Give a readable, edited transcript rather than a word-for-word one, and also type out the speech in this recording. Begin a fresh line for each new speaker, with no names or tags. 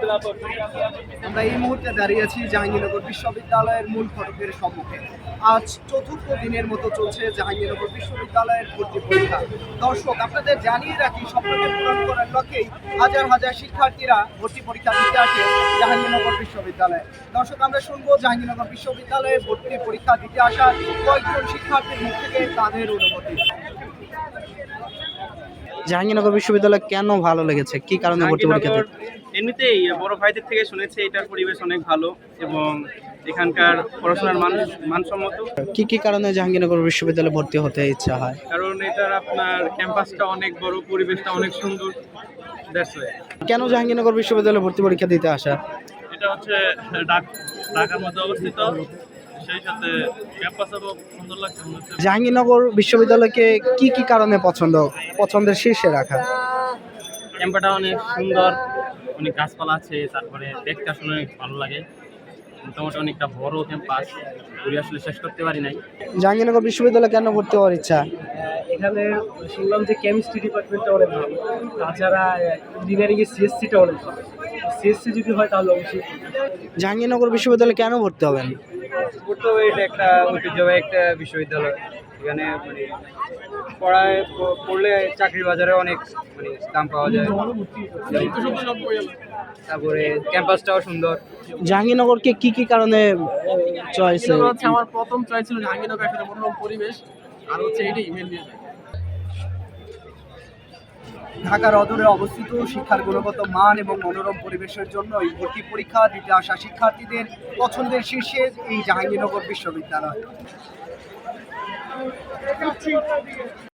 আমরা এই মুহূর্তে দাঁড়িয়ে আছি জাহাঙ্গীরনগর বিশ্ববিদ্যালয়ের মূল ফটকের সম্মুখে। আজ চতুর্থ দিনের মতো চলছে জাহাঙ্গীরনগর বিশ্ববিদ্যালয়ের ভর্তি পরীক্ষা। দর্শক, আপনাদের জানিয়ে রাখি, স্বপ্নকে পূরণ করার লক্ষ্যেই হাজার হাজার শিক্ষার্থীরা ভর্তি পরীক্ষা দিতে আসে জাহাঙ্গীরনগর বিশ্ববিদ্যালয়ে। দর্শক, আমরা শুনবো জাহাঙ্গীরনগর বিশ্ববিদ্যালয়ে ভর্তি পরীক্ষা দিতে আসা কয়েকজন শিক্ষার্থীর মুখ থেকে তাদের অনুভূতি।
জাহাঙ্গীরনগর বিশ্ববিদ্যালয় কেন ভালো লেগেছে, কি কারণে ভর্তি পরীক্ষা দিতে?
এমনিতেই বড় ভাইদের থেকে শুনেছি এটার পরিবেশ অনেক ভালো এবং এখানকার পড়াশোনার মানসম্মত।
কি কি কারণে জাহাঙ্গীরনগর বিশ্ববিদ্যালয়ে ভর্তি হতে ইচ্ছা হয়?
কারণ এটার আপনার ক্যাম্পাসটা অনেক বড়, পরিবেশটা অনেক সুন্দর।
কেন জাহাঙ্গীরনগর বিশ্ববিদ্যালয়ে ভর্তি পরীক্ষা দিতে আসা?
এটা হচ্ছে ঢাকার মধ্যে অবস্থিত, সেই সাথে ক্যাম্পাসও সুন্দর লাগছে।
জাহাঙ্গীরনগর বিশ্ববিদ্যালয়কে কি কি কারণে পছন্দের শীর্ষে রাখা?
ক্যাম্পাসটা অনেক সুন্দর, অনেক গাছপালা আছে, তারপরে দেখতে আসলে অনেক ভালো লাগে। মোটামুটি অনেকটা বড় ক্যাম্পাস, ঘুরে আসলে শেষ করতে পারি নাই।
জাহাঙ্গীরনগর বিশ্ববিদ্যালয়ে কেন ভর্তি হওয়ার ইচ্ছা?
এখানে শুনলাম যে কেমিস্ট্রি ডিপার্টমেন্টটা অনেক ভালো, তাছাড়া ইঞ্জিনিয়ারিংয়ের সিএসসিটা অনেক ভালো। সিএসসি যদি হয় তাহলে অবশ্যই।
জাহাঙ্গীরনগর বিশ্ববিদ্যালয়ে কেন ভর্তি হবেন?
তো এটা একটা ঐতিহ্যবাহী একটা বিশ্ববিদ্যালয়। এখানে পড়লে চাকরির বাজারে অনেক দাম পাওয়া যায়। তারপরে ক্যাম্পাসটাও সুন্দর।
জাহাঙ্গীরনগরকে কি কি কারণে চয়েস?
আমার প্রথম চয়েস ছিল জাহাঙ্গীরনগর, একটা মনোরম পরিবেশ, আর হচ্ছে এটাই মেন রিজন।
ঢাকার অদূরে অবস্থিত, শিক্ষার গুণগত মান এবং মনোরম পরিবেশের জন্য এই ভর্তি পরীক্ষা দিতে আসা শিক্ষার্থীদের পছন্দের শীর্ষে এই জাহাঙ্গীরনগর বিশ্ববিদ্যালয়।